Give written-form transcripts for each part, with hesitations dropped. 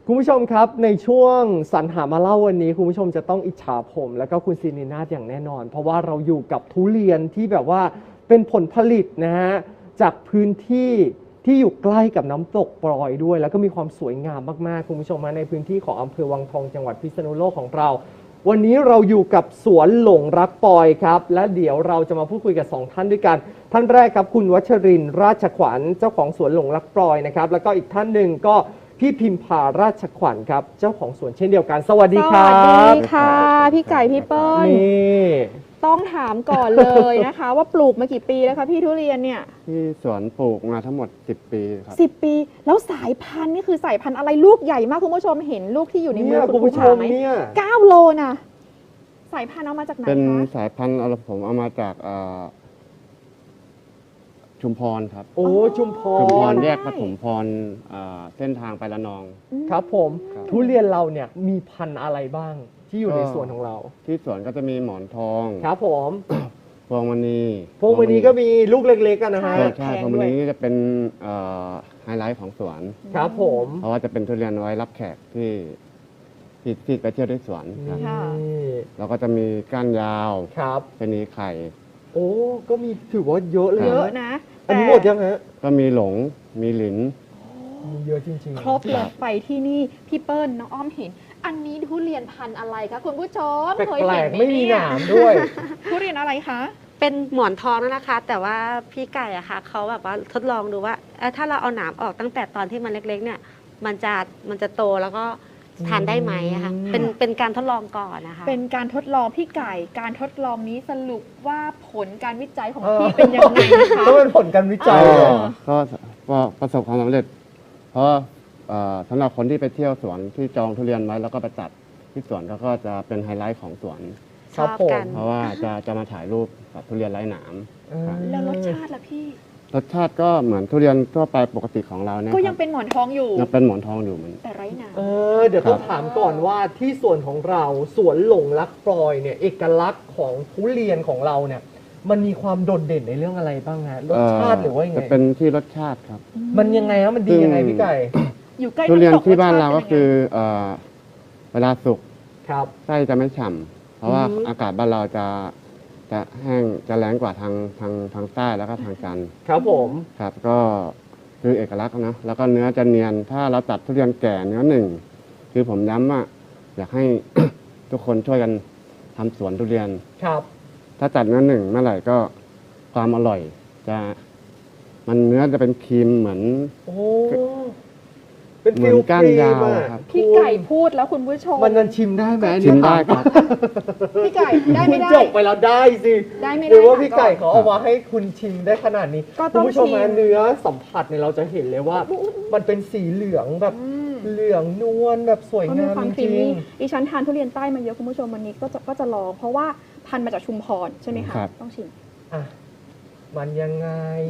คุณผู้ชมครับในช่วงสรรหามาเล่าวันนี้คุณผู้ชมจะต้องอิจฉาผมแล้วก็คุณซีนีนาฏอย่างแน่นอนเพราะว่าเราอยู่กับทุเรียนที่แบบว่าเป็นผลผลิตนะฮะจากพื้นที่ที่อยู่ใกล้กับน้ำตกปลอยด้วยแล้วก็มีความสวยงามมากๆคุณผู้ชมในพื้นที่ของอำเภอวังทองจังหวัดพิษณุโลกของเราวันนี้เราอยู่กับสวนหลงรักปอยครับและเดี๋ยวเราจะมาพูดคุยกับ2ท่านด้วยกันท่านแรกครับคุณวัชรินทร์ราชขวัญเจ้าของสวนหลงรักปอยนะครับแล้วก็อีกท่านหนึ่งก็พี่พิมพาราชขวัญครับเจ้าของสวนเช่นเดียวกันสวัสดีครับสวัสดีค่ะพี่ไก่พี่เปิ้ลนี่ต้องถามก่อนเลยนะคะ ว่าปลูกมากี่ปีแล้วคะพี่ทุเรียนเนี่ยที่สวนปลูกมาทั้งหมด10 ปีครับ 10 ปีแล้วสายพันธุ์นี่คือสายพันธุ์อะไรลูกใหญ่มากคุณผู้ชมเห็นลูกที่อยู่ในมือคุณผู้ชมไหม9 โลนะสายพันธุ์เอามาจากไหนคะเป็นสายพันธุ์ผมเอามาจากชุมพรครับโอ้ชุมพรแยกปฐมพรเส้นทางไประนองครับผมทุเรียนเราเนี่ยมีพันธุ์อะไรบ้างที่อยู่ในสวนของเราที่สวนก็จะมีหมอนทองครับผมพวงมณีก็มีลูกเล็กๆกันนะฮะใช่พวงมณีนี่จะเป็นไฮไลท์ของสวนครับผมเพราะว่าจะเป็นทุเรียนไว้รับแขกที่ไปเที่ยวที่สวนครับแล้วก็จะมีก้านยาวครับเป็นนีไข่โอ้ก็มีถือว่าเยอะเลยเยอะนะอันนี้หมดยังฮะก็มีหลงมีหลินมีเยอะจริงๆครบเลยไปที่นี่พี่เปิ้ลน้องอ้อมเห็นอันนี้ทุเรียนพันธุ์อะไรคะคุณผู้ชมเคยเห็นไม่มีหนามด้วยทุเรียนอะไรคะเป็นหมอนทองนะคะ แต่ว่าพี่ไก่อะค่ะเขาแบบว่าทดลองดูว่าถ้าเราเอาหนามออกตั้งแต่ตอนที่มันเล็กๆเนี่ยมันจะโตแล้วก็ทานได้ไหมอะคะเป็นการทดลองก่อนนะคะเป็นการทดลองพี่ไก่การทดลองนี้สรุปว่าผลการวิจัยของพี่เป็นยังไงนะคะก็เป็นผลการวิจัยก็ประสบความสำเร็จเพราะสำหรับคนที่ไปเที่ยวสวนที่จองทุเรียนไว้แล้วก็ไปจัดที่สวนก็จะเป็นไฮไลท์ของสวนชอบกันเพราะว่าจะมาถ่ายรูปกับทุเรียนไร้หนามแล้วรสชาติล่ะพี่รสชาติก็เหมือนทุเรียนทั่วไปปกติของเราเนี่ยก็ยังเป็นหมอนทองอยู่ยังเป็นหมอนทองอยู่เหมือนแต่ไร้หนามเดี๋ยวต้องถามก่อนว่าที่สวนของเราสวนหลงรักปลอยเนี่ยเอกลักษณ์ของทุเรียนของเราเนี่ยมันมีความโดดเด่นในเรื่องอะไรบ้างฮะรสชาติหรือว่ายังไงจะเป็นที่รสชาติครับมันยังไงฮะมันดียังไงพี่ไก่อยู่ใกล้ทุเรียนที่บ้านเราก็คือเวลาสุกไส้จะไม่ฉ่ำเพราะว่าอากาศบ้านเราจะแห้งจะแรงกว่าทางใต้แล้วก็ทางจันทร์ครับผมครับก็คือเอกลักษณ์นะแล้วก็เนื้อจะเนียนถ้าเราตัดทุเรียนแก่เนื้อหนึ่งคือผมย้ำว่าอยากให้ ทุกคนช่วยกันทำสวนทุเรียนครับถ้าตัดเนื้อหนึ่งเมื่อไหร่ก็ความอร่อยมันเนื้อจะเป็นครีมเหมือนเป็นฟิลก้านยาวครับพี่ไก่พูดแล้วคุณผู้ชมมันชิมได้ไหมชิมได้ครับพี่ไก่ได้ไม่ได้จบไปแล้วได้สิได้ไม่ได้หรือว่าพี่ไก่เขาเอามาให้คุณชิมได้ขนาดนี้คุณผู้ชมเนื้อสัมผัสเนี่ยเราจะเห็นเลยว่ามันเป็นสีเหลืองแบบเหลืองนวลแบบสวยงามจริงดิฉันทานทุเรียนใต้มาเยอะคุณผู้ชมวันนี้ก็จะลองเพราะว่าพันธุ์มาจากชุมพรใช่ไหมคะต้องชิมมันยังไง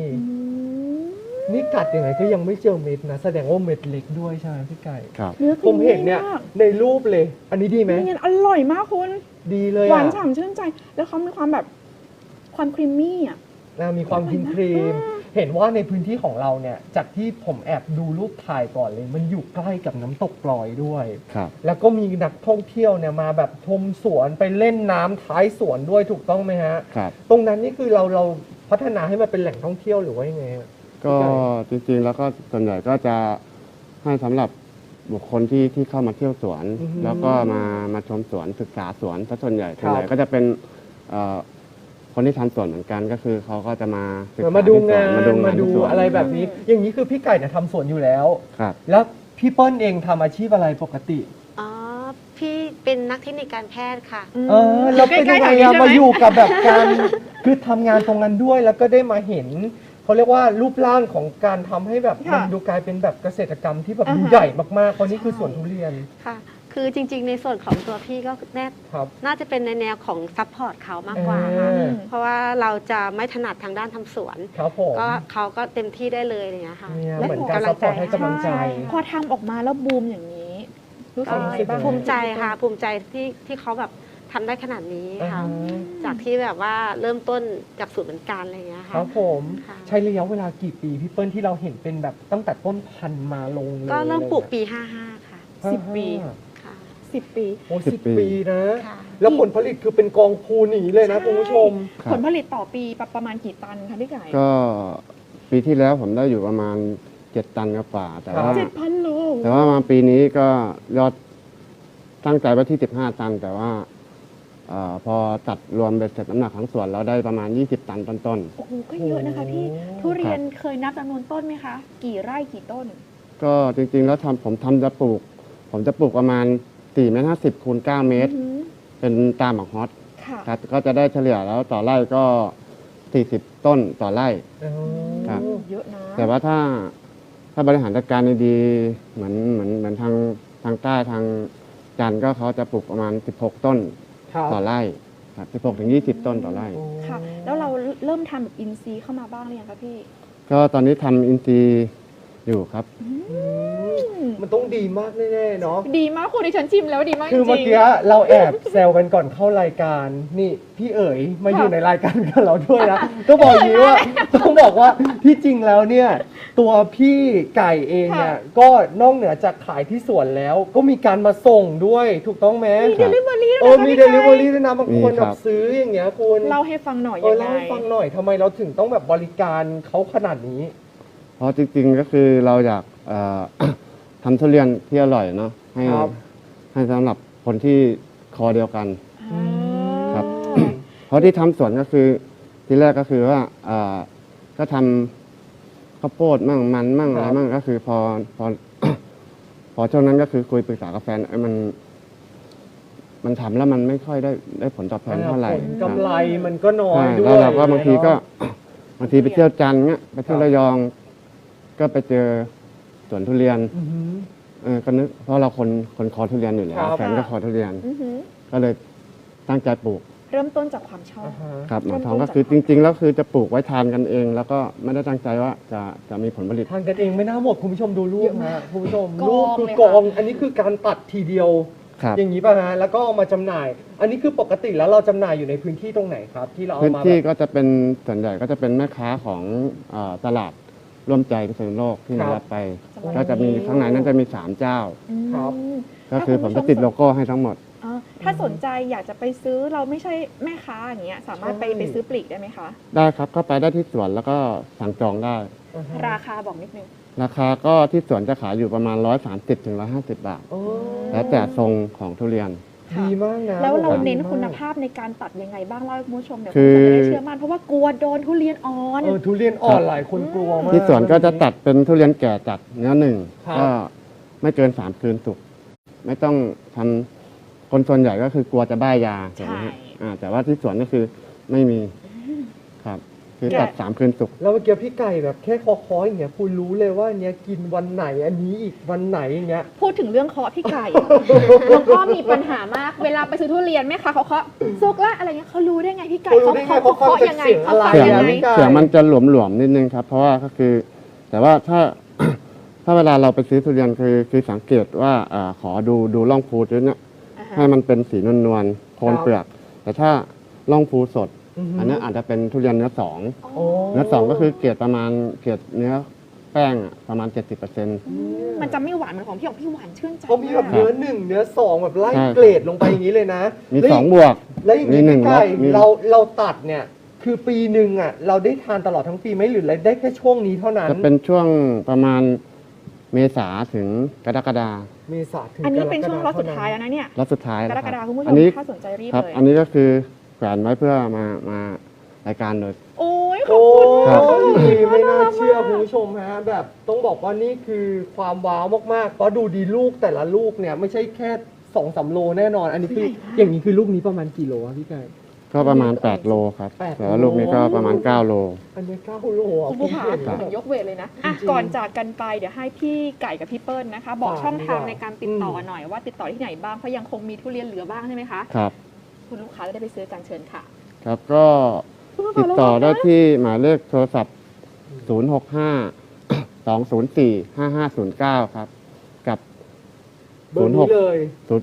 นี่กัดยังไงก็ยังไม่เจอเม็ดนะแสดงว่าเม็ดเล็กด้วยใช่ไหมพี่ไก่ครับผมเห็นเนี่ยในรูปเลยอันนี้ดีไหมนี่อร่อยมากคุณดีเลยหวานฉ่ำชื่นใจแล้วเขามีความแบบความครีมมี่อ่ะมีความครีมเห็นว่าในพื้นที่ของเราเนี่ยจากที่ผมแอบดูรูปถ่ายก่อนเลยมันอยู่ใกล้กับน้ำตกปลอยด้วยแล้วก็มีนักท่องเที่ยวเนี่ยมาแบบชมสวนไปเล่นน้ำท้ายสวนด้วยถูกต้องไหมฮะตรงนั้นนี่คือเราพัฒนาให้มันเป็นแหล่งท่องเที่ยวหรือว่ายังไงก็จริงๆแล้วก็ส่วนใหญ่ก็จะให้สำหรับบุคคลที่เข้ามาเที่ยวสวนแล้วก็มาชมสวนศึกษาสวนส่วนใหญ่ก็จะเป็นคนที่ทำสวนเหมือนกันก็คือเขาก็จะมาศึกษามาดูงานมาดูอะไรแบบนี้อย่างนี้คือพี่ไก่เนี่ยทำสวนอยู่แล้วแล้วพี่เปิ้ลเองทำอาชีพอะไรปกติพี่เป็นนักเทคนิคการแพทย์ค่ะแล้วเป็นยังไงมาอยู่กับแบบการคือทำงานตรงนั้นด้วยแล้วก็ได้มาเห็นเขาเรียกว่ารูปร่างของการทำให้แบบมันดูกลายเป็นแบบเกษตรกรรมที่แบบดูใหญ่มากๆเพราะนี่คือสวนทุเรียนค่ะคือจริงๆในส่วนของตัวพี่ก็น่าจะเป็นในแนวของซัพพอร์ตเขามากกว่าค่ะเพราะว่าเราจะไม่ถนัดทางด้านทำสวนก็เขาก็เต็มที่ได้เลยอย่างเงี้ยค่ะและเหมือนการซัพพอร์ตให้กำลังใจพอทำออกมาแล้วบูมอย่างนี้รู้สึกยังไงบ้างภูมิใจค่ะภูมิใจที่เขาแบบทำได้ขนาดนี้ค่ะจากที่แบบว่าเริ่มต้นจากศูนย์เหมือนกันอะไรอย่างเงี้ยค่ะครับผมใช้ระยะเวลากี่ปีพี่เปิ้ลที่เราเห็นเป็นแบบตั้งแต่ต้นพันธุ์มาลงเลยก็เริ่มปลูกปี55ค่ะ 10 ปีค่ะ 10 ปีโอ้ 10 10 ปีนะค่ะแล้วผลผลิตคือเป็นกองพูนอย่างนี้เลยนะคุณผู้ชมครับผลผลิตต่อปีประมาณกี่ตันคะพี่ไก่ก็ปีที่แล้วผมได้อยู่ประมาณ 7 ตันกว่าๆแต่ว่า 7,000 โลแต่ว่ามาปีนี้ก็ยอดตั้งใจไว้ที่ 15 ตัน แต่ว่าพอตัดรวมเบ็ดเสร็จน้ำหนักทั้งส่วนเราได้ประมาณ 20 ตันต้นโอ้โห ก็เยอะนะคะพี่ ทุเรียนเคยนับจำนวนต้นไหมคะ กี่ไร่กี่ต้นๆก็จริงๆแล้วผมจะปลูกประมาณ4 เมตร 50 คูณ 9 เมตรอือหือเป็นตามหมากฮอตค่ะครับก็จะได้เฉลี่ยแล้วต่อไร่ก็ 40 ต้นต่อไร่ ครับเยอะนะแต่ว่าถ้าบริหารจัดการดีๆเหมือนทางใต้ทางจันทร์ก็เขาจะปลูกประมาณ 16 ต้นครับต่อไร่ครับ16 ถึง 20 ต้นต่อไร่ค่ะ แล้วเราเริ่มทำแบบอินซีย์เข้ามาบ้างหรือยังคะพี่ก็ตอนนี้ทำอินทรีย์อยู่ครับมันต้องดีมากแน่ๆเนาะดีมากคุณดิฉันชิมแล้วดีมากจคือริเมื่อง กี้เราแอบแซวกันก่อนเข้ารายการ นี่พี่เอ๋ยมาอยู่ในรายการกับเราด้วยนะต้องบอกอย่างนี้ว่าต้องบอกว่าที่จริงแล้วเนี่ยตัวพี่ไก่เองเนี่ยก็นอกเหนือจากขายที่สวนแล้ว ก็มีการมาส่งด้วยถูกต้องไหมมีเดลิเวอรี่มีด้วยเดนะลิพี่เวอไก่รี่ด้วยนะบางคนมีคแบรับบ ซื้ออย่างเงี้ยคุณเล่าให้ฟังหน่อยเอยัองไงเล่าให้ฟังหน่อยทำไมเราถึงต้องแบบบริการเขาขนาดนี้เพราะจริงๆก็คือเราอยากทำทุเรียนที่อร่อยเนาะให้ครับให้สำหรับคนที่คอเดียวกันอ่าครับ เพราะที่ทำสวนก็คือที่แรกก็คือว่าก็ทำข้าวโพดมั่งมันมั่งครับอะไรมั่งก็คือพอ พอช่วงนั้นก็คือคุยปรึกษากับแฟนมันทำแล้วมันไม่ค่อยได้ผลตอบแทนเท่าไหร่ผลกำไรมันก็น้อใช่ยด้วแล้วยเราก็บางทีก็เนาะบางทีไปเที่ยวจันทร์เงี้ยไปเที่ยวครับระยอง ก็ไปเจอสวนทุเรียนอือหือก็นึกเพราะเราคนคอทุเรียนอยู่แล้วครับแฟนก็คอทุเรียนอือหือก็เลยตั้งใจปลูกเริ่มต้นจากความชอบอ่าฮะครับหมอนทองเริ่มต้นก็คือจากจริง ๆ แล้วคือจะปลูกไว้ทานกันเอง แล้วก็ไม่ได้ตั้งใจว่าจะมีผลผลิตทานกันเองไม่น่าหมดคุณผู้ชมดูรูปนะคุณผู้ชมกองรูปคือเลยกค่ะอง อันนี้คือการตัดทีเดียวครับอย่างนี้ป่ะฮะแล้วก็เอามาจำหน่าย อันนี้คือปกติแล้วเราจำหน่ายอยู่ในพื้นที่ตรงไหนครับ ที่เราเอาพื้นมาที่แบบก็จะเป็นส่วนใหญ่ก็จะเป็นแม่ค้าของตลาดร่วมใจพิษณุโลกที่ครับมารับไปจังหวัดก็จะมีข้างในนั้นจะมี 3 เจ้าอืมครับก็คือผมจะติดโลโก้ให้ทั้งหมดถ้าสนใจอยากจะไปซื้อเราไม่ใช่แม่ค้าอย่างเงี้ยสามารถไปซื้อปลีกได้ไหมคะได้ครับก็ไปได้ที่สวนแล้วก็สั่งจองได้อ่าฮะราคาบอกนิดนึงราคาก็ที่สวนจะขายอยู่ประมาณ 130 ถึง 150 บาทโอ้แล้วแต่ทรงของทุเรียนดีมากนะแล้วเราผมว่เน้นดีมกคุณภาพในการตัดยังไงบ้างเล่าให้คุณผู้ชมเดี๋ยวคืคุณอผู้ชมจะได้เชื่อมั่นเพราะว่ากลัวโดนทุเรียนอ่อนทุเรียนอ่อนหลายคนกลัวมากที่สวนก็จะตัดเป็นทุเรียนแก่จัดเนื้อหนึ่งครับก็ไม่เกิน 3 คืนสุกไม่ต้องทำคนส่วนใหญ่ก็คือกลัวจะบ้ายาใช่ถูกไหมฮะแต่ว่าที่สวนก็คือไม่มีครับ คือตัด 3 คืนสุกแล้วเมื่อกี้พี่ไก่แบบแค่คอๆอย่างเงี้ยคุณรู้เลยว่าอันเนี้ยกินวันไหนอันนี้อีกวันไหนอย่างเงี้ยพูดถึงเรื่องเคาะพี่ไก่หลวงพ่อมีปัญหามาก เวลาไปซื้อทุเรียนแม่ค้าเขาเคาะสุกละอะไรเงี้ยเขารู้ได้ไงพี่ไก่เขารู้ได้ไงเขาเคาะเขาฟังจากยังไงเสียงเขาฟังอะไรเสียงยังมันไงไก่เสียงมันจะหลวมๆนิดนึงครับ เพราะว่าก็คือ แต่ว่าถ้า ถ้าเวลาเราไปซื้อทุเรียนคือสังเกตว่าขอดูร่องพูด้วยเนี่ยอ่าฮะให้มันเป็นสีนวลๆโคนเปลือก แต่ถ้าร่องพูสดอือฮึอันนั้นอาจจะเป็นทุเรียนเนื้อสองโอ้เนื้อสองก็คือเกรดประมาณเกรดเนื้อแป้งอะประมาณ 70% มันจะไม่หวานเหมือนของพี่ของพี่หวานชื่นใจเขามีแบบมากเนื้อหนึ่งเนื้อสองแบบไล่ใช่เกรดลงไปอย่างนี้เลยนะมีแล้ว 2 บวกแล้วอย่างนี้มีหนึ่งพี่ไก่ลบมีเราตัดเนี่ยคือปีหนึ่งอ่ะเราได้ทานตลอดทั้งปีไหมหรือได้แค่ช่วงนี้เท่านั้นจะเป็นช่วงประมาณเมษาถึงกรกฎาเมษาถึงอันนี้เป็นกรกฎาช่วงรอบสุดท้ายแล้วนะเนี่ยแล้วสุดท้ายกแล้วรคกฎารับคมคุณผู้ชอัมนนี้ถ้าสนใจรีบครับเลยอันนี้ก็คือแขวนไว้เพื่อมารายการโดยโอ้ยขอโอ้บคุณครับยไม่น่าเชื่อคุณผู้ชมฮะแบบต้องบอกว่านี่คือความว้าวมากๆ เพราะดูดีลูกแต่ละลูกเนี่ยไม่ใช่แค่2-3 โลแน่นอน อันนี้คืออย่างนี้คือลูกนี้ประมาณกี่โลครับพี่ไก่ก็ประมาณ 8 โลครับ 8 แต่ว่าลูกนี้ก็ประมาณ 9 โลอันนี้9 โลอ่ะคุณผู้ชมเห็นถึแล้วงยกเวทเลยนะอ่ะจริงๆก่อนจากกันไปเดี๋ยวให้พี่ไก่กับพี่เปิ้ลนะคะ บอกฝากช่องทางดีกว่าในการติดต่อหน่อยว่าติดต่อที่ไหนบ้างเพราะยังคงมีทุเรียนเหลือบ้างใช่ไหมคะครับคุณลูกค้าจะได้ไปซื้อกันเชิญค่ะครับก็ติดต่อได้ที่หมายเลขโทรศัพท์ 065-204-5509 ครับ กับเบอร์นี้เลย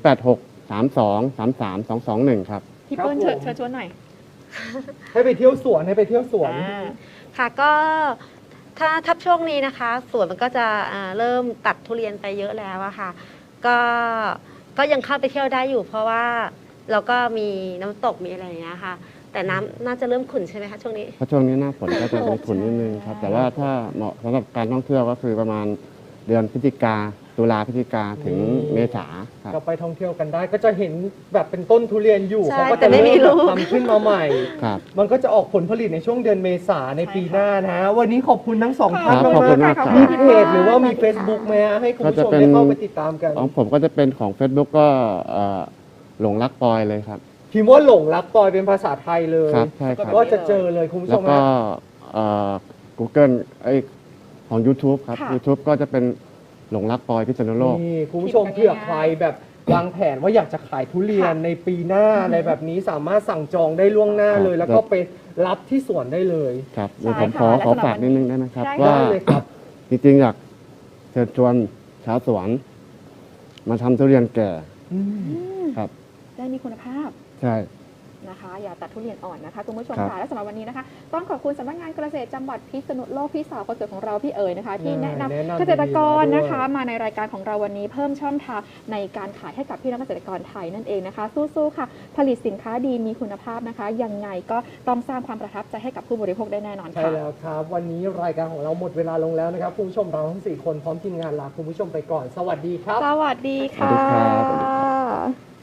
086-32-33-221 ครับพี่เปิ้ลครับผมเชิญชวนหน่อยให้ไปเที่ยวสวนให้ไปเที่ยวสวนอ่าค่ะก็ถ้าช่วงนี้นะคะสวนมันก็จะเริ่มตัดทุเรียนไปเยอะแล้วอะค่ะก็ก็ยังเข้าไปเที่ยวได้อยู่ เพราะว่าเราก็มีน้ำตกมีอะไรอย่างเงี้ยค่ะ แต่น้ำน่าจะเริ่มขุ่นใช่ไหมคะช่วงนี้เพราะช่วงนี้หน้าฝนก็จะมีฝุ่นนิดนึงครับ แต่ว่าถ้าเหมาะสำหรับการท่องเที่ยวก็คือประมาณเดือนพฤศจิกาตุลาพฤศจิกาถึงเมษาครับก็ไปท่องเที่ยวกันได้ก็จะเห็นแบบเป็นต้นทุเรียนอยู่ใช่เขาก็แต่จะไม่มีเริ่มลูกทำขึ้นมาใหม่ครับมันก็จะออกผลผลิตในช่วงเดือนเมษาในปีหน้านะ วันนี้ขอบคุณทั้งสองท่านครับขอบคุณมากครับมีเพจหรือว่ามี Facebook ไหมฮะให้คุณผู้ชมได้เข้าไปติดตามกันของผมก็จะเป็นของ Facebook ก็หลงรักปอยเลยครับพิมพ์ว่าหลงรักปอยเป็นภาษาไทยเลยครับใช่ครับก็จะเจอเลยคุณผู้ชแล้วมก็ฮะ Google ของ YouTube ครับค่ะ YouTube ก็จะเป็นหลงรักปอยพิษณุโลกนี่คุณผู้ชมเผื่อใครแบบวางแผนว่าอยากจะขายทุเรียนในปีหน้าอะไรแบบนี้สามารถสั่งจองได้ล่วงหน้าเลย แล้วก็ไปรับที่สวนได้เลยครับใช่เดี๋ยวผมค่ะขอและสำหรับฝากนิดนึงได้ไหมครับได้ว่าได้เลยครับจริงๆอยากเชิญชวนชาวสวน มาทำทุเรียนแก่อืมครับได้มีคุณภาพใช่นะคะ อย่าตัดทุเรียนอ่อนนะคะคุณผู้ชมครับค่ะและสำหรับวันนี้นะคะ ต้องขอบคุณสำนักงานเกษตรจังหวัดพิษณุโลกพี่สาวคนสวยของเราพี่เอ๋ยนะคะ ที่แนะนำเกษตรกรนะคะ มาในรายการของเราวันนี้เพิ่มช่องทางในการขายให้กับพี่น้องเกษตรกรไทยนั่นเองนะคะ สู้ๆค่ะ ผลิตสินค้าดีมีคุณภาพนะคะยังไงก็ต้องสร้างความประทับใจให้กับผู้บริโภคได้แน่นอนใช่ค่ะแล้วครับ วันนี้รายการของเราหมดเวลาลงแล้วนะครับคุณผู้ชมเราทั้ง4คนพร้อมทีมงานลาคุณผู้ชมไปก่อน สวัสดีครับสวัสดีสวัสดีค่ะครับ